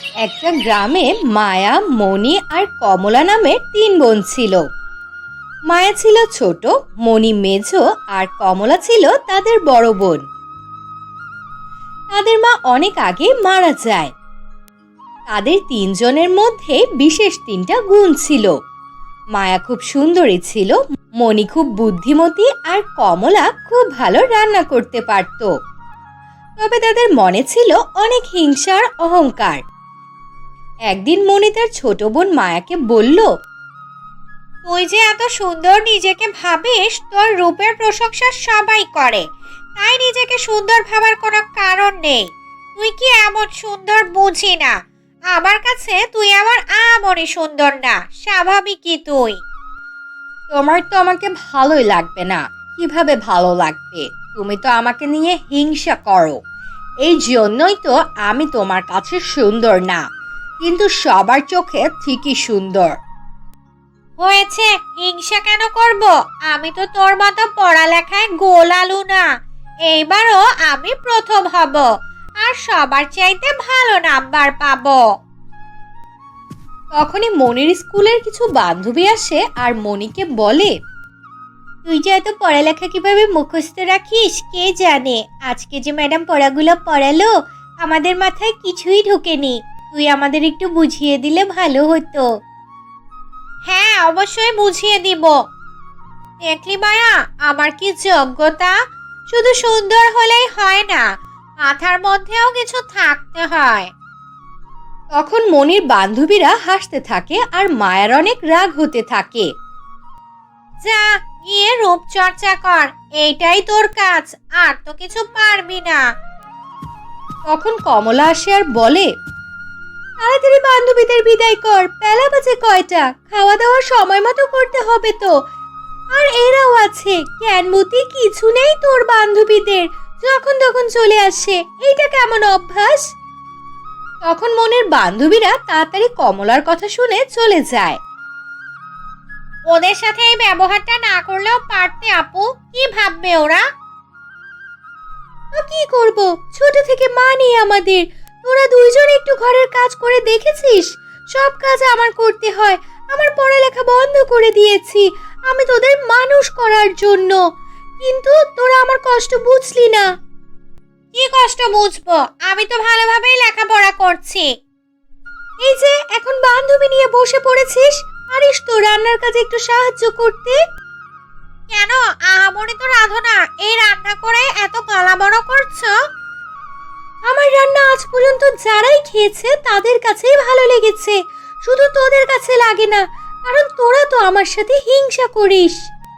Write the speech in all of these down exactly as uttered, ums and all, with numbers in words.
একটা গ্রামে মায়া, মণি আর কমলা নামের তিন বোন ছিল। মায়া ছিল ছোট, মণি মেঝো আর কমলা ছিল তাদের বড় বোন। তাদের মা অনেক আগে মারা যায়। তাদের তিনজনের মধ্যে বিশেষ তিনটা গুণ ছিল। মায়া খুব সুন্দরী ছিল, মণি খুব বুদ্ধিমতী আর কমলা খুব ভালো রান্না করতে পারত। তবে তাদের মনে ছিল অনেক হিংসা আর অহংকার। একদিন মণি তার ছোট বোন মায়াকে বলল, তুই যে এত সুন্দর নিজেকে ভাবিস, তোর রূপের প্রশংসা সবাই করে, তাই নিজেকে সুন্দর ভাবার কোনো কারণ নেই। তুই কি এমন সুন্দর বুঝি না? আমার কাছে তুই আমার আমনই সুন্দর না, স্বাভাবিকই তুই। তোমার তো আমাকে ভালোই লাগবে না। কিভাবে ভালো লাগবে? তুমি তো আমাকে নিয়ে হিংসা করো। এই জন্যই তো আমি তোমার কাছে সুন্দর না, কিন্তু সবার চোখে ঠিকই সুন্দর। হয়েছে, হিংসা কেন করব? আমি তো তোর মতো পড়ালেখায় গোল আলু না। এইবারও আমি প্রথম হব আর সবার চাইতে ভালো নাম্বার পাবো। তখনই মনির স্কুলের কিছু বান্ধবী আসে আর মনিকে বলে, তুই যে এত পড়ালেখা কিভাবে মুখস্থ রাখিস কে জানে। আজকে যে ম্যাডাম পড়াগুলো পড়ালো, আমাদের মাথায় কিছুই ঢোকেনি। তুই আমাদের একটু বুঝিয়ে দিলে ভালো হতো। হ্যাঁ, অবশ্যই বুঝিয়ে দিব। দেখলি মায়া, আমার কি যোগ্যতা! শুধু সুন্দর হলেই হয় না, মাথার মধ্যেও কিছু থাকতে হয়। তখন মনির বান্ধবীরা হাসতে থাকে আর মায়ার অনেক রাগ হতে থাকে। যা গিয়ে রূপচর্চা কর, এইটাই তোর কাজ, আর তো কিছু পারবি না। তখন কমলা আসে আর বলে, তাড়াতাড়ি বান্ধবীদের বিদায় কর, বেলা বাজে কয়টা, খাওয়া দাওয়া সময় মতো করতে হবে তো। আর এরাও আছে, জ্ঞানমতি কিছু নেই তোর বান্ধবীদের, যখন তখন চলে আসে, এইটা কেমন অভ্যাস? তখন মনের বান্ধবীরা তাড়াতাড়ি কমলার কথা শুনে চলে যায়। ওদের সাথে এই ব্যবহারটা না করলেও পারতে আপু, কি ভাববে ওরা? তো কি করব, ছোট থেকে মা নেই আমাদের। তোরা দুইজন একটু ঘরের কাজ করে দেখেছিস? সব কাজ আমার করতে হয়। আমার পড়ালেখা বন্ধ করে দিয়েছি আমি তোদের মানুষ করার জন্য, কিন্তু তোরা আমার কষ্ট বুঝলি না। কি কষ্ট বুঝবো? আমি তো ভালোভাবেই লেখাপড়া করছি। এই যে এখন বান্ধবী নিয়ে বসে পড়েছিস, পারিস তো রান্নার কাজে একটু সাহায্য করতে? কেন, আহামরি তো রাঁধো না, এই রান্না করে এত গলা বড় করছো? আমার রান্না আজ পর্যন্ত যারাই খেয়েছে তাদের কাছেই ভালো লেগেছে, শুধু তোদের কাছে লাগে না, কারণ তোরা তো আমার সাথে হিংসা করিস।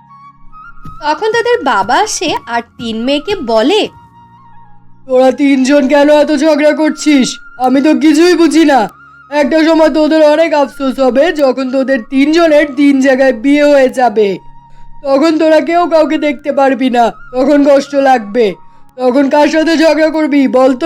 তখন তাদের বাবা আসে আর তিন মেয়েকে বলে, তোরা তিনজন কেন এত ঝগড়া করছিস? আমি তো কিছুই বুঝি না। একটা সময় তোদের অনেক আফসোস হবে যখন তোদের তিনজনের তিন জায়গায় বিয়ে হয়ে যাবে। তখন তোরা কেউ কাউকে দেখতে পারবি না, তখন কষ্ট লাগবে। তখন কার সাথে ঝগড়া করবি বলতো?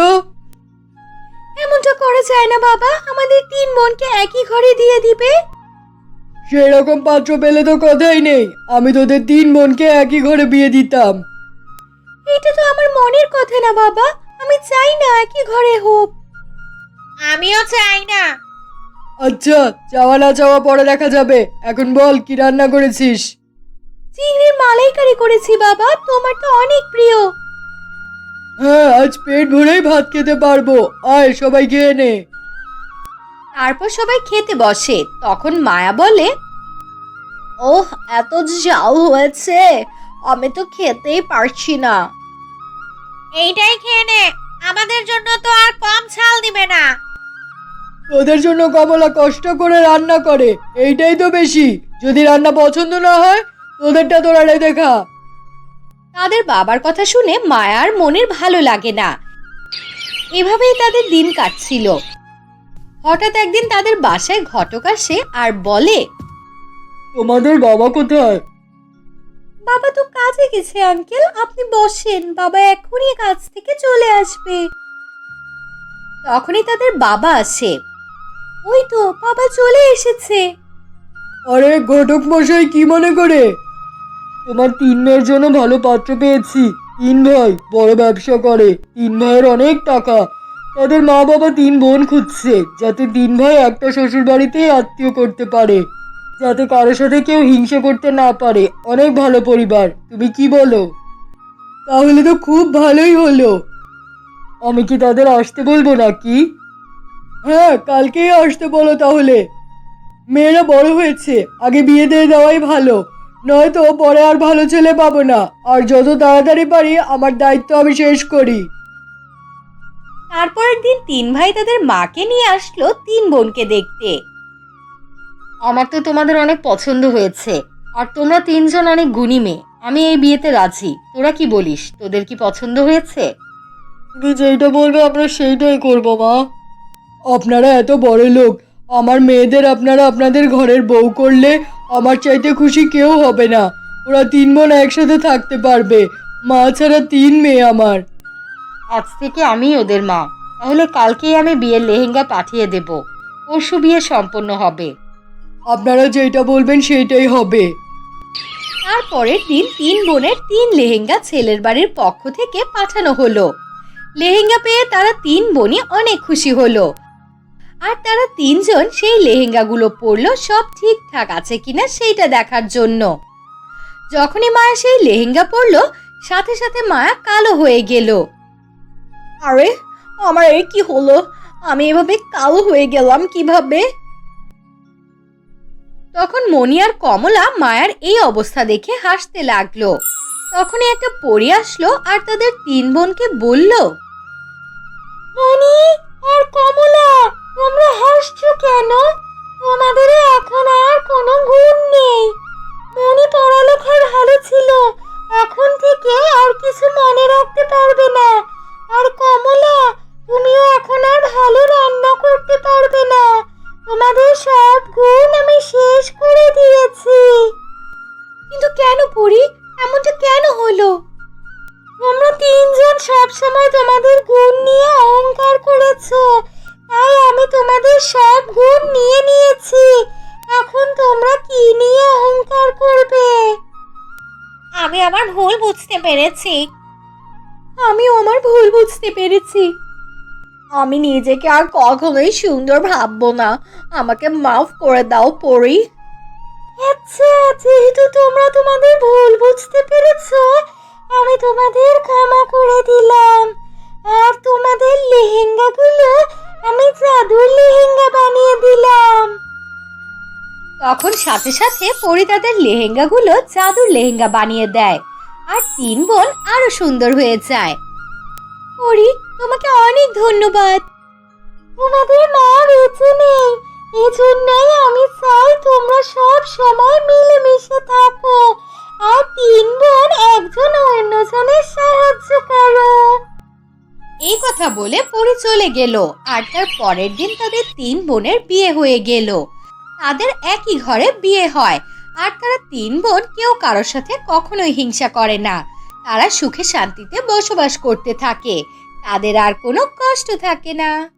এমনটা করা যায় না বাবা, আমাদের তিন বোনকে একই ঘরে দিয়ে দিবে। সেরকম পাত্র পেলে তো কথাই নেই, আমি তোদের তিন বোনকে একই ঘরে বিয়ে দিতাম। এটা তো আমার মনের কথা না বাবা, আমি চাই না একই ঘরে হোক। আমিও চাই না। আচ্ছা, চাওয়া না চাওয়া পরে দেখা যাবে। এখন বল, কি রান্না করেছিস? চিংড়ির মালাইকারি করেছি বাবা, তোমার তো অনেক প্রিয়। হ্যাঁ, আজ পেট ভরেই ভাত খেতে পারবো। আয় সবাই খেয়ে নে। তারপর সবাই খেতে বসে। তখন মায়া বলে, ওহ, এত ঝাল হয়েছে, আমি তো খেতেই পারছি না। এইটাই খেয়ে নে, আমাদের জন্য তো আর কম ঝাল দিবে না। তোদের জন্য কমলা কষ্ট করে রান্না করে, এইটাই তো বেশি। যদি রান্না পছন্দ না হয়, তোদেরটা তোরা রেঁধে খা। তাদের বাবার কথা শুনে মায়ার মনের ভালো লাগে না। এভাবেই তাদের দিন কাটছিল। হঠাৎ একদিন তাদের বাসায় ঘটক আসে আর বলে, তোমাদের বাবা কোথায়? বাবা তো কাজে গেছে আঙ্কেল, আপনি বসেন, বাবা এখনই কাজ থেকে চলে আসবে। তখনই তাদের বাবা আসে। ওই তো বাবা চলে এসেছে। আরে ঘটক মশাই, কি মনে করে? তোমার তিন মেয়ের জন্য ভালো পাত্র পেয়েছি। তিন ভাই বড় ব্যবসা করে, তিন ভাইয়ের অনেক টাকা, তাদের মা বাবা তিন বোন খুঁজছে, যাতে তিন ভাই একটা শ্বশুর বাড়িতেই আত্মীয় করতে পারে, যাতে কারোর সাথে কেউ হিংসা করতে না পারে। অনেক ভালো পরিবার, তুমি কি বলো? তাহলে তো খুব ভালোই হলো। আমি কি তাদের আসতে বলবো নাকি? হ্যাঁ, কালকেই আসতে বলো তাহলে। মেয়েরা বড় হয়েছে, আগে বিয়ে দিয়ে দেওয়াই ভালো, নয়তো পরে আর ভালো ছেলে পাবো না। আর যত তাড়াতাড়ি পারি আমার দায়িত্ব আমি শেষ করি। তারপরের দিন তিন ভাই তাদের মাকে নিয়ে আসলো তিন বোনকে দেখতে। আমার তো তোমাদের অনেক পছন্দ হয়েছে, আর তোমরা তিনজন অনেক গুণী মেয়ে। আমি এই বিয়েতে রাজি। তোরা কি বলিস? তোদের কি পছন্দ হয়েছে? তুমি যেইটা বলবে আমরা সেইটাই করবো মা। আপনারা এত বড় লোক, আমার মেয়েদের আপনারা আপনাদের ঘরের বউ করলে আমার চাইতে খুশি কেউ হবে না। ওরা তিন বোন একসাথে থাকতে পারবে, মা ছাড়া তিন মেয়ে আমার। আজ থেকে আমি ওদের মা। তাহলে কালকেই আমি বিয়ের লেহেঙ্গা পাঠিয়ে দেব। পরশু বিয়ে সম্পন্ন হবে। আপনারা যেটা বলবেন সেইটাই হবে। তারপরের দিন তিন বোনের তিন লেহেঙ্গা ছেলের বাড়ির পক্ষ থেকে পাঠানো হলো। লেহেঙ্গা পেয়ে তারা তিন বোনই অনেক খুশি হলো। আর তারা তিনজন সেই লেহেঙ্গাগুলো পরলো সব ঠিকঠাক আছে কিনা সেইটা দেখার জন্য। যখনই মায়া সেই লেহেঙ্গা পরলো, সাথে সাথে মায়া কালো হয়ে গেল। আরে, আমার এই কি হলো? আমি এভাবে কালো হয়ে গেলাম কিভাবে? তখন মণি আর কমলা মায়ার এই অবস্থা দেখে হাসতে লাগলো। তখনই একটা পরী আসলো আর তাদের তিন বোনকে বলল, মণি আর কমলা, তোমরা হাসছো কেন? তোমাদের এখন আর কোনো গুণ নেই। মণি পড়ালেখার ভালো ছিল, এখন থেকে আর কিছু মনে রাখতে পারবে না। আর কমলা, তুমিও এখন আর ভালো রান্না করতে পারবে না। তোমাদের সব গুণ আমি শেষ করে দিয়েছি। কিন্তু কেন পড়ি? এমনটা কেন হলো? তোমরা তিনজন সব সময় তোমাদের গুণ নিয়ে অহংকার করেছো, তাই আমি তোমাদের সব গুণ নিয়ে নিয়েছি। এখন তোমরা কি নিয়ে অহংকার করবে? আমি আমার ভুল বুঝতে পেরেছি। আমিও আমার ভুল বুঝতে পেরেছি। আমি নিজেকে আর কখনোই সুন্দর ভাববো না। আমাকে মাফ করে দাও পরি। আচ্ছা, যেহেতু তোমরা তোমাদের ভুল বুঝতে পেরেছো, আমি তোমাদের ক্ষমা করে দিলাম। আর তোমাদের লেহেঙ্গাগুলো আমি জাদুর লেহেঙ্গা বানিয়ে দিলাম। তখন সাথে সাথে পরি তাদের লেহেঙ্গাগুলো জাদুর লেহেঙ্গা বানিয়ে দেয়, আর তিন বোন আরো সুন্দর হয়ে যায়। পরি, তোমাকে অনেক ধন্যবাদ। তোমাদের মা বেঁচে নেই, এজন্যই আমি চাই তোমরা সব সময় মিলেমিশে থাকো, আর তিন বোন একজন অন্যজনের সাহায্য করো। এই কথা বলে পরি চলে গেল। আর তার পরের দিন তাদের তিন বোনের বিয়ে হয়ে গেল। তাদের একই ঘরে বিয়ে হয়, আর তারা তিন বোন কেউ কারোর সাথে কখনোই হিংসা করে না। তারা সুখে শান্তিতে বসবাস করতে থাকে, তাদের আর কোনো কষ্ট থাকে না।